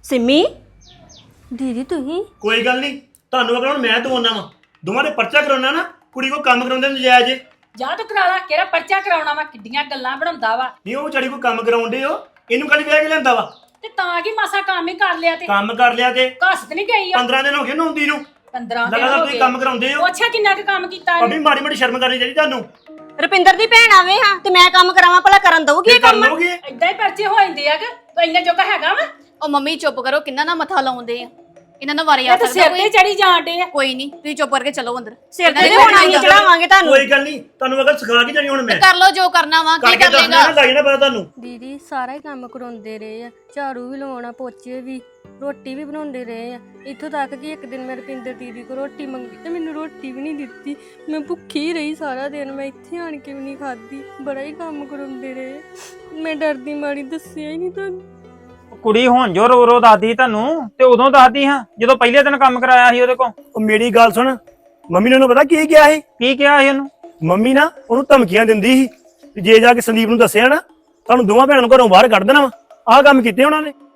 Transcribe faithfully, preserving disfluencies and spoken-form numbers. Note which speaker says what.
Speaker 1: सिमी दीदी तुही
Speaker 2: कोई गल नहीं ਤੁਹਾਨੂੰ ਅਗਰ ਹੁਣ ਮੈਂ ਦਵਾਉਣਾ ਵਾ ਦੋਵਾਂ ਦੇ ਪਰਚਾ ਕਰਾਉਣਾ ਨਾ ਕੁੜੀ ਕੋ ਕੰਮ ਕਰਾਉਂਦੇ ਨਜਾਇਜ਼
Speaker 3: ਜਾ ਤੂੰ ਕਰਾ ਲਾ ਕਿਹੜਾ ਪਰਚਾ ਕਰਾਉਣਾ ਵਾ ਕਿੱਡੀਆਂ ਗੱਲਾਂ ਬਣਾਉਂਦਾ ਵਾ
Speaker 2: ਨਹੀਂ ਉਹ ਵਿਚਾਰੀ ਕੋ ਕੰਮ ਕਰਾਉਂਦੇ ਹੋ ਇਹਨੂੰ ਕੱਲ ਵਿਆਹ ਕੇ ਲੈਂਦਾ ਵਾ
Speaker 3: ਤੇ ਤਾਂ ਕੀ ਮਾਸਾ ਕੰਮ ਹੀ ਕਰ ਲਿਆ ਤੇ
Speaker 2: ਕੰਮ ਕਰ ਲਿਆ ਤੇ
Speaker 3: ਘਸਤ ਨਹੀਂ ਗਈ ਆ
Speaker 2: ਪੰਦਰਾਂ ਦਿਨ ਹੋ ਗਏ ਨਾ ਆਉਂਦੀ ਨੂੰ
Speaker 3: ਪੰਦਰਾਂ ਦਿਨ
Speaker 2: ਲਗਾਤਾਰ
Speaker 3: ਹੋ
Speaker 2: ਤੁਸੀਂ
Speaker 3: ਗਏ
Speaker 2: ਕੰਮ ਕਰਾਉਂਦੇ ਹੋ
Speaker 3: ਅੱਛਾ ਕਿੰਨਾ ਕੁ ਕੰਮ ਕੀਤਾ
Speaker 2: ਅਭੀ ਮਾੜੀ ਮਾੜੀ ਸ਼ਰਮ ਕਰਨੀ ਚਾਹੀਦੀ ਤੁਹਾਨੂੰ
Speaker 1: ਰੁਪਿੰਦਰ ਦੀ ਭੈਣ ਆਵੇ ਹਾਂ ਤੇ ਮੈਂ ਕੰਮ ਕਰਾਵਾਂ ਭਲਾ ਕਰਨ ਦਊਗੀ ਇਹ ਕੰਮ
Speaker 2: ਲੋਗੇ
Speaker 3: ਏਦਾਂ ਹੀ ਪਰਚੇ ਹੋ ਜਾਂਦੇ ਆ ਕਿ ਇੰਨਾ ਜੋਗਾ ਹੈਗਾ ਵਾ
Speaker 4: ਉਹ ਮੰਮੀ ਚੁੱਪ ਕਰੋ ਕਿੰਨਾ ਨਾ ਮੱਥਾ ਲਾਉਂਦੇ ਆ ਇਹਨਾਂ ਨੂੰ ਵਾਰੇ ਆ
Speaker 3: ਇਹ ਤਾਂ ਸਿਰ ਤੇ ਚੜੀ ਜਾਂਦੇ ਆ
Speaker 4: ਕੋਈ ਨਹੀਂ ਤੁਸੀਂ ਚੁੱਪ ਕਰਕੇ ਚਲੋ ਅੰਦਰ
Speaker 1: ਸਿਰ ਤੇ ਹੋਣਾ ਹੀ ਚੜਾਵਾਂਗੇ ਤੁਹਾਨੂੰ
Speaker 2: ਕੋਈ ਗੱਲ ਨਹੀਂ ਤੁਹਾਨੂੰ ਅਗਰ ਸਿਖਾ ਕੇ ਜਾਣੀ ਹੁਣ ਮੈਂ
Speaker 4: ਕਰ ਲਓ ਜੋ ਕਰਨਾ ਵਾ ਕੀ
Speaker 2: ਕਰਕੇ
Speaker 4: ਕਰ
Speaker 2: ਦੱਸਣਾ
Speaker 4: ਲੇਗਾ
Speaker 2: ਨਾ ਲੱਗ ਜਾਣਾ ਪਤਾ ਤੁਹਾਨੂੰ
Speaker 5: ਦੀਦੀ ਸਾਰਾ ਹੀ ਕੰਮ ਕਰਾਉਂਦੇ ਰਹੇ ਆ ਝਾੜੂ ਵੀ ਲਵਾਉਣਾ ਪੋਚੇ ਵੀ ਰੋਟੀ ਵੀ ਬਣਾਉਂਦੇ ਰਹੇ ਆ ਇੱਥੋਂ ਤੱਕ ਕਿ ਇੱਕ ਦਿਨ ਮੈਂ ਰੁਪਿੰਦਰ ਦੀਦੀ ਕੋਲ ਰੋਟੀ ਮੰਗੀ ਤੇ ਮੈਨੂੰ ਰੋਟੀ ਵੀ ਨਹੀਂ ਦਿੱਤੀ ਮੈਂ ਭੁੱਖੀ ਰਹੀ ਸਾਰਾ ਦਿਨ ਮੈਂ ਇੱਥੇ ਆਣ ਕੇ ਵੀ ਨਹੀਂ ਖਾਧੀ ਬੜਾ ਹੀ ਕੰਮ ਕਰਾਉਂਦੇ ਰਹੇ ਮੈਂ ਡਰਦੀ ਮਾਰੀ ਦੱਸਿਆ ਹੀ ਨਹੀਂ ਤੁਹਾਨੂੰ
Speaker 6: ਕੁੜੀ ਹੁਣ ਜੋ ਰੋ ਰੋ ਦੱਸਦੀ ਤੁਹਾਨੂੰ ਤੇ ਉਦੋਂ ਦੱਸਦੀ ਹਾਂ ਜਦੋਂ ਪਹਿਲੇ ਦਿਨ ਕੰਮ ਕਰਾਇਆ ਸੀ ਉਹਦੇ ਕੋਲ
Speaker 2: ਉਹ ਮੇਰੀ ਗੱਲ ਸੁਣ ਮੰਮੀ ਨੇ ਉਹਨੂੰ ਪਤਾ ਕੀ ਕਿਹਾ ਸੀ
Speaker 6: ਕੀ ਕਿਹਾ ਸੀ ਉਹਨੂੰ
Speaker 2: ਮੰਮੀ ਨਾ ਉਹਨੂੰ ਧਮਕੀਆਂ ਦਿੰਦੀ ਸੀ ਜੇ ਜਾ ਕੇ ਸੰਦੀਪ ਨੂੰ ਦੱਸਿਆ ਨਾ ਤੁਹਾਨੂੰ ਦੋਵਾਂ ਭੈਣਾਂ ਨੂੰ ਘਰੋਂ ਬਾਹਰ ਕੱਢ ਦੇਣਾ ਵਾ ਆਹ ਕੰਮ ਕੀਤੇ ਉਹਨਾਂ ਨੇ